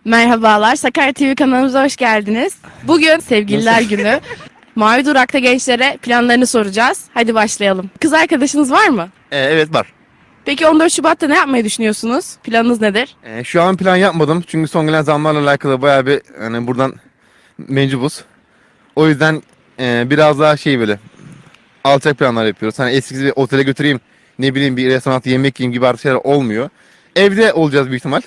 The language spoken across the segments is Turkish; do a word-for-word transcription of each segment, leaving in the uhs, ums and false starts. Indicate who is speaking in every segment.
Speaker 1: Merhabalar, Sakarya T V kanalımıza hoş geldiniz. Bugün Sevgililer Günü. Mavi Durak'ta gençlere planlarını soracağız. Hadi başlayalım. Kız arkadaşınız var mı?
Speaker 2: Ee, evet var.
Speaker 1: Peki on dört Şubat'ta ne yapmayı düşünüyorsunuz? Planınız nedir?
Speaker 2: Ee, şu an plan yapmadım çünkü son gelen zamlarla alakalı bayağı bir hani buradan mecbuz. O yüzden e, biraz daha şey böyle alçak planlar yapıyoruz. Hani eskisi bir otele götüreyim, ne bileyim bir restoranda yemek yiyeyim gibi artık şeyler olmuyor. Evde olacağız büyük ihtimal.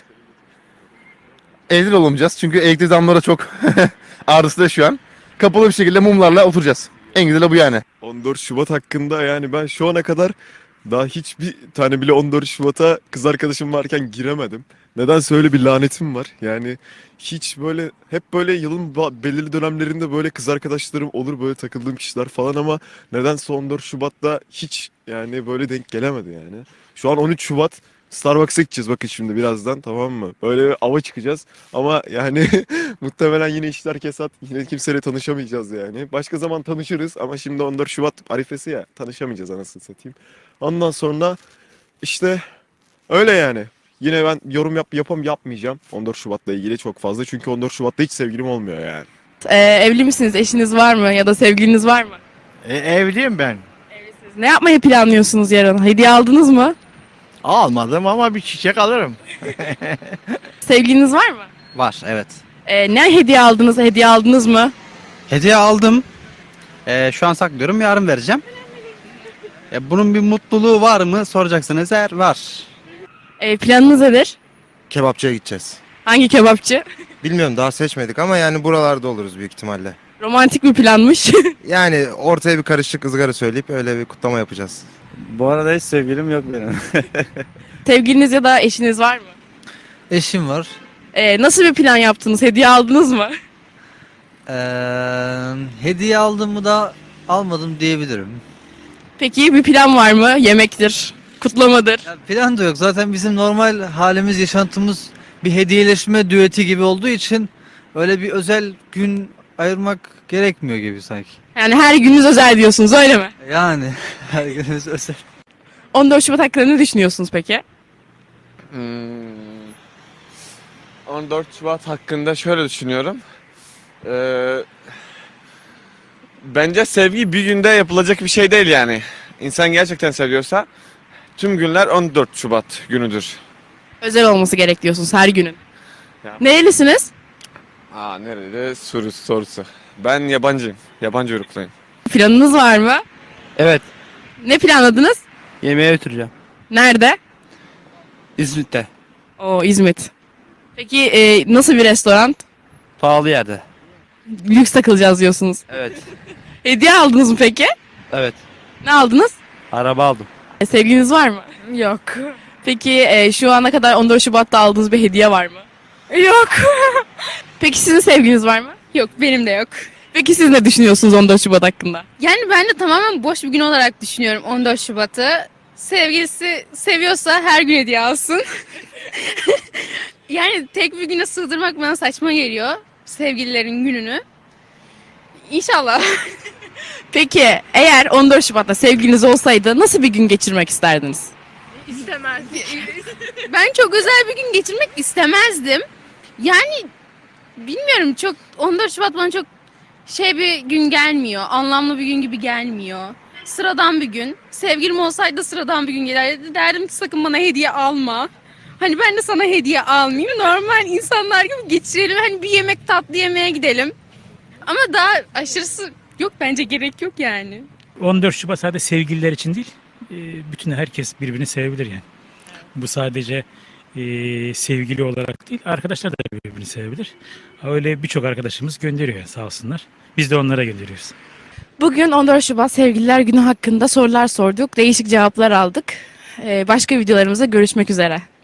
Speaker 2: Evde de olamayacağız çünkü elektrik zamları çok ardısı şu an. Kapalı bir şekilde mumlarla oturacağız. En güzeli bu yani.
Speaker 3: on dört Şubat hakkında yani ben şu ana kadar daha hiçbir tane bile on dört Şubat'a kız arkadaşım varken giremedim. Nedense öyle bir lanetim var. Yani hiç böyle hep böyle yılın ba- belirli dönemlerinde böyle kız arkadaşlarım olur, böyle takıldığım kişiler falan, ama nedense on dört Şubat'ta hiç yani böyle denk gelemedi yani. Şu an on üç Şubat, Starbucks'a gideceğiz bakın şimdi birazdan, tamam mı? Böyle bir ava çıkacağız ama yani muhtemelen yine işler kesat, yine kimseyle tanışamayacağız yani. Başka zaman tanışırız ama şimdi on dört Şubat arifesi ya, tanışamayacağız anasını satayım. Ondan sonra işte öyle yani. Yine ben yorum yap yapam yapmayacağım on dört Şubat'la ilgili çok fazla. Çünkü on dört Şubat'ta hiç sevgilim olmuyor yani.
Speaker 1: Ee, evli misiniz? Eşiniz var mı? Ya da sevgiliniz var mı?
Speaker 4: E, evliyim ben.
Speaker 1: Evlisiniz. Ne yapmayı planlıyorsunuz yarın? Hediye aldınız mı?
Speaker 4: Almadım ama bir çiçek alırım.
Speaker 1: Sevgiliniz var mı?
Speaker 5: Var, evet.
Speaker 1: Ee, ne hediye aldınız? Hediye aldınız mı?
Speaker 5: Hediye aldım. Ee, şu an saklıyorum, yarın vereceğim. E, bunun bir mutluluğu var mı soracaksınız, eğer var.
Speaker 1: Ee, planınız nedir?
Speaker 6: Kebapçıya gideceğiz.
Speaker 1: Hangi kebapçı?
Speaker 6: Bilmiyorum, daha seçmedik ama yani buralarda oluruz büyük ihtimalle.
Speaker 1: Romantik bir planmış.
Speaker 6: Yani ortaya bir karışık ızgara söyleyip öyle bir kutlama yapacağız.
Speaker 7: Bu arada hiç sevgilim yok benim.
Speaker 1: Sevgiliniz ya da eşiniz var mı?
Speaker 5: Eşim var.
Speaker 1: Ee, nasıl bir plan yaptınız? Hediye aldınız mı?
Speaker 5: Ee, hediye aldım mı da almadım diyebilirim.
Speaker 1: Peki bir plan var mı? Yemektir, kutlamadır.
Speaker 5: Ya plan da yok. Zaten bizim normal halimiz, yaşantımız bir hediyeleşme düeti gibi olduğu için öyle bir özel gün ayırmak gerekmiyor gibi sanki.
Speaker 1: Yani her gününüz özel diyorsunuz, öyle mi?
Speaker 5: Yani her günümüz özel.
Speaker 1: on dört Şubat hakkında ne düşünüyorsunuz peki?
Speaker 8: Hmm. on dört Şubat hakkında şöyle düşünüyorum. Ee, bence sevgi bir günde yapılacak bir şey değil yani. İnsan gerçekten seviyorsa tüm günler on dört Şubat günüdür.
Speaker 1: Özel olması gerek diyorsunuz her günün.
Speaker 8: Ya.
Speaker 1: Nerelisiniz?
Speaker 8: Aa, nerede soru sorusu. Ben yabancıyım. Yabancı uyruklayım.
Speaker 1: Planınız var mı?
Speaker 7: Evet.
Speaker 1: Ne planladınız?
Speaker 7: Yemeğe götüreceğim.
Speaker 1: Nerede?
Speaker 7: İzmit'te.
Speaker 1: Oo, İzmit. Peki e, nasıl bir restoran?
Speaker 7: Pahalı yerde.
Speaker 1: Lüks takılacağız diyorsunuz.
Speaker 7: Evet.
Speaker 1: Hediye aldınız mı peki?
Speaker 7: Evet.
Speaker 1: Ne aldınız?
Speaker 7: Araba aldım.
Speaker 1: E, sevgiliniz var mı? Yok. Peki e, şu ana kadar on dört Şubat'ta aldığınız bir hediye var mı? Yok. Peki sizin sevgiliniz var mı?
Speaker 9: Yok, benim de yok.
Speaker 1: Peki siz ne düşünüyorsunuz on dört Şubat hakkında?
Speaker 9: Yani ben de tamamen boş bir gün olarak düşünüyorum on dört Şubat'ı. Sevgilisi seviyorsa her gün hediye alsın. Yani tek bir güne sığdırmak bana saçma geliyor. Sevgililerin gününü. İnşallah.
Speaker 1: Peki eğer on dört Şubat'ta sevgiliniz olsaydı nasıl bir gün geçirmek isterdiniz?
Speaker 9: İstemezdim. Ben çok özel bir gün geçirmek istemezdim. Yani bilmiyorum, çok on dört Şubat bana çok şey bir gün gelmiyor. Anlamlı bir gün gibi gelmiyor. Sıradan bir gün. Sevgilim olsaydı sıradan bir gün gelirdi. Derdim ki sakın bana hediye alma. Hani ben de sana hediye almayayım. Normal insanlar gibi geçirelim. Hani bir yemek, tatlı yemeğe gidelim. Ama daha aşırısı yok, bence gerek yok yani.
Speaker 10: on dört Şubat sadece sevgililer için değil, e, bütün herkes birbirini sevebilir yani. Bu sadece e, sevgili olarak değil, arkadaşlar da birbirini sevebilir. Öyle birçok arkadaşımız gönderiyor yani, sağ olsunlar. Biz de onlara gönderiyoruz.
Speaker 1: Bugün on dört Şubat Sevgililer Günü hakkında sorular sorduk. Değişik cevaplar aldık. Ee, başka videolarımızda görüşmek üzere.